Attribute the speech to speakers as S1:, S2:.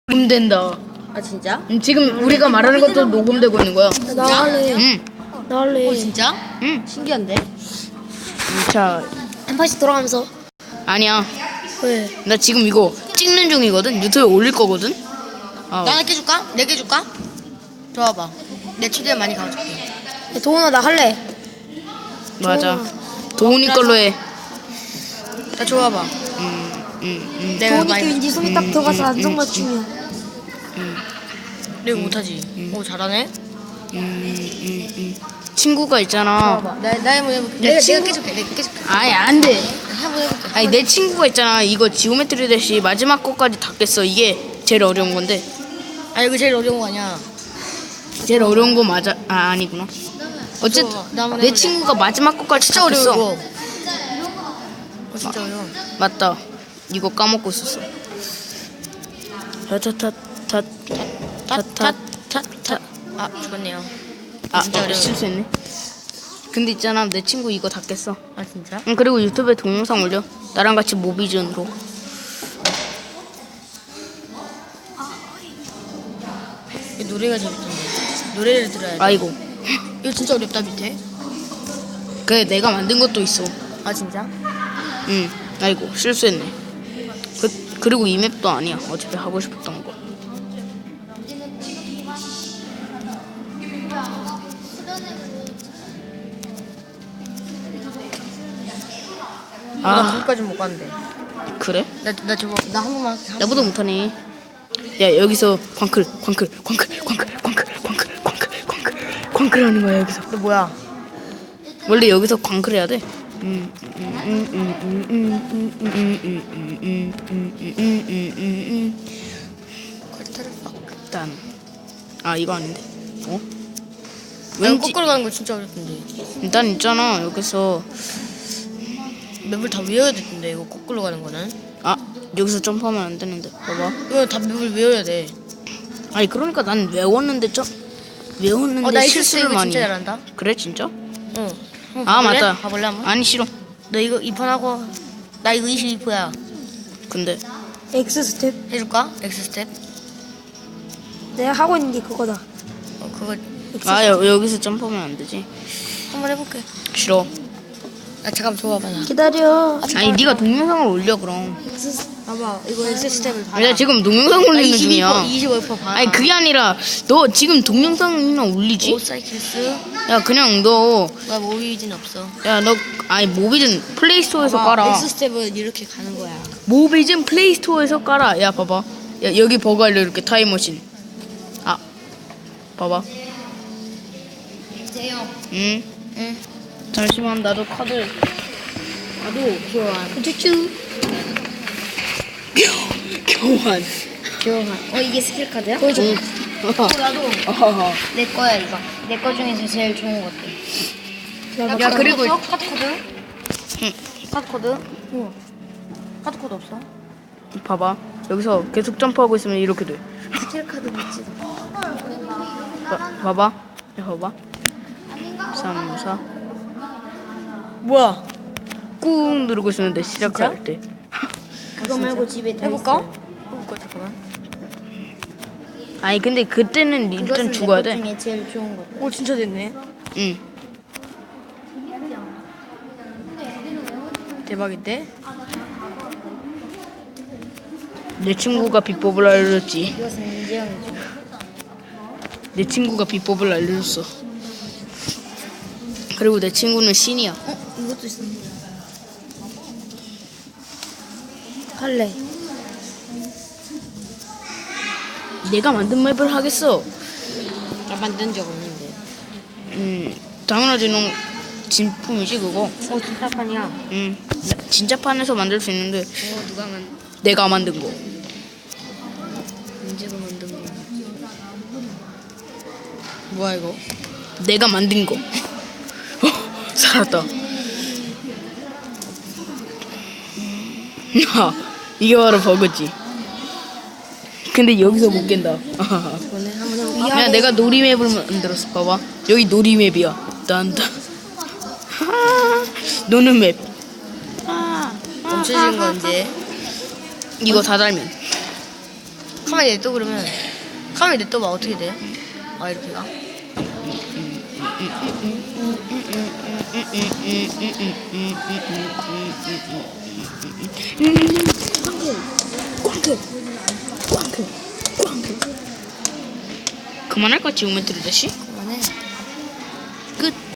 S1: 녹음된다.
S2: 아 진짜?
S1: 지금 우리가 말하는 것도 녹음되고 있는 거야.
S3: 나 할래.
S1: 응.
S3: 나 할래.
S2: 진짜?
S1: 응.
S2: 신기한데?
S1: 자,
S3: 한 판씩 돌아가면서.
S1: 아니야.
S3: 왜?
S1: 나 지금 이거 찍는 중이거든. 유튜브에 올릴 거거든. 아,
S2: 나 4개 줄까? 4개 줄까? 좋아봐. 내 최대한 많이 가져줄게.
S3: 야, 도훈아 나 할래.
S1: 맞아. 도훈이 걸로 해.
S2: 나 좋아봐. 내가
S3: 도훈이
S2: 많이
S3: 왠지 손이 딱 들어가서 안성맞춤이야.
S2: 내가 못하지. 오 잘하네.
S1: 친구가 있잖아.
S2: 좋아봐. 나 한번 해볼게.
S1: 내
S2: 내가
S1: 친구-
S2: 깨줄게. 내가 깨줄게.
S1: 아니, 안 돼.
S2: 한번 해볼게.
S1: 아니, 내 친구가 있잖아. 이거 지오메트리 대시 마지막 거까지 다 깼어. 이게 제일 어려운 건데.
S2: 아 이거 제일 어려운 거 아니야.
S1: 제일 어려운 거 맞아. 아, 아니구나. 어쨌든
S2: 나 한번
S1: 내
S2: 해볼래.
S1: 친구가 마지막 거까지
S2: 진짜
S1: 다
S2: 어려워
S1: 깼어.
S2: 이거. 진짜 어려워.
S1: 맞다. 이거 까먹고 있었어. 타타타타타타타.
S2: 아 죽었네요.
S1: 아,
S2: 진짜 어려워.
S1: 실수했네. 근데 있잖아, 내 친구 이거 다 깼어.
S2: 아 진짜?
S1: 응, 그리고 유튜브에 동영상 올려. 나랑 같이 모비전으로.
S2: 이 노래가 재밌던데. 노래를 들어야 돼.
S1: 아이고.
S2: 이거 진짜 어렵다 밑에.
S1: 그래, 내가 만든 것도 있어.
S2: 아 진짜?
S1: 응. 아이고, 실수했네. 그리고 이 맵도 아니야. 어차피 하고 싶었던 거.
S2: 나
S1: 아,
S2: 거기까지 못 갔는데.
S1: 그래?
S2: 나 저거 나 한 번만.
S1: 나보다 못하네. 야, 여기서 광클 하는 거야, 여기서.
S2: 너 뭐야?
S1: 원래 여기서 광클 해야 돼. 일단, 아, 이거 아닌데. 어?
S2: 왼
S1: 왠지,
S2: 거꾸로 가는 거 진짜 어렵던데.
S1: 일단 있잖아, 여기서.
S2: 맵을 다 외워야 되던데 이거 거꾸로 가는 거는.
S1: 아, 여기서 점프하면 안 되는데. 봐봐.
S2: 이거 다 맵을 외워야 돼.
S1: 아니, 그러니까 난 외웠는데
S2: 나
S1: 실수를
S2: 이거
S1: 많이
S2: 진짜
S1: 해.
S2: 잘한다.
S1: 그래, 진짜?
S2: 응.
S1: 아, 맞다.
S2: 가볼래 한번?
S1: 아니, 싫어.
S2: 너 이거 2판 하고 나 이거 22%야.
S1: 근데
S3: X 스텝.
S2: 해줄까? 엑스 스텝.
S3: 내가 하고 있는 게 그거다.
S2: 그거
S1: 아, 여기서 점프하면 안 되지.
S2: 한번 해볼게.
S1: 싫어.
S2: 아 잠깐 줘봐봐 나.
S3: 기다려.
S1: 아니, 네가 동영상을 올려 그럼.
S2: 봐봐 이거 엑스 스텝을 봐.
S1: 내가 지금 동영상 올리는 중이야.
S2: 25% 봐.
S1: 아니, 그게 아니라 너 지금 동영상이나 올리지?
S2: 오사이킬스.
S1: 야, 그냥 너,
S2: 나 모비진 없어.
S1: 야, 너, 아니, 모비즌 플레이스토어에서 깔아.
S2: 엑스 스텝은 이렇게 가는 거야.
S1: 모비즌 플레이스토어에서 깔아. 야, 봐봐. 야, 여기 버거 알려 이렇게 타임머신. 아, 봐봐.
S2: 대요.
S1: 응.
S2: 응.
S1: 잠시만, 나도 카드.
S2: 나도 교환.
S3: 쭈쭈.
S1: 교환.
S2: 교환. 이게 스킬 카드야?
S3: 보여줘.
S2: 나도
S1: 어허허.
S2: 내 거야 이거. 내 거 중에서 제일 좋은 것들.
S1: 야, 그리고
S2: 카드 코드?
S1: 응.
S2: 카드 코드? 우와. 카드 코드 없어?
S1: 봐봐. 여기서 계속 점프하고 있으면 이렇게 돼.
S2: 스킬 카드 있지.
S1: 봐봐. 야, 봐봐. 3, 4.
S2: 뭐야?
S1: 꾹 누르고 있으면 돼, 시작할 때.
S3: 그거 말고 집에 다
S2: 해볼까?
S3: 있어.
S2: 해볼까 잠깐만.
S1: 아니, 근데 그때는 일단 죽어야 돼.
S3: 중에 제일 좋은 거.
S2: 오 진짜 됐네.
S1: 응.
S2: 대박인데?
S1: 내 친구가 비법을 알려줬지.
S3: 이것은 민재형이죠.
S1: 내 친구가 비법을 알려줬어. 그리고 내 친구는 신이야.
S3: 이것도 있어. 할래.
S1: 내가 만든 맵을 하겠어.
S2: 나 만든 적 없는데.
S1: 당연하지. 너 진품이지 그거.
S2: 진짜 판이야.
S1: 진짜 판에서 만들 수 있는데
S2: 누가
S1: 내가 만든 거.
S2: 민재가 만든 거. 뭐야 이거?
S1: 내가 만든 거. 살았다. 야, 이게 바로 버그지. 근데 여기서 못 깬다.
S2: 이번에 한번 해볼까?
S1: 야, 내가 놀이맵을 만들었어. 봐봐. 여기 놀이맵이야. 딴딴. 노는 맵.
S2: 멈춰진 건데.
S1: 이거 다 달면.
S2: 가만히 냅둬 그러면 가만히 냅둬봐 어떻게 돼? 아 이렇게 가?
S1: 그만할까 지오메트리 다시?
S2: 그만해.
S1: 끝.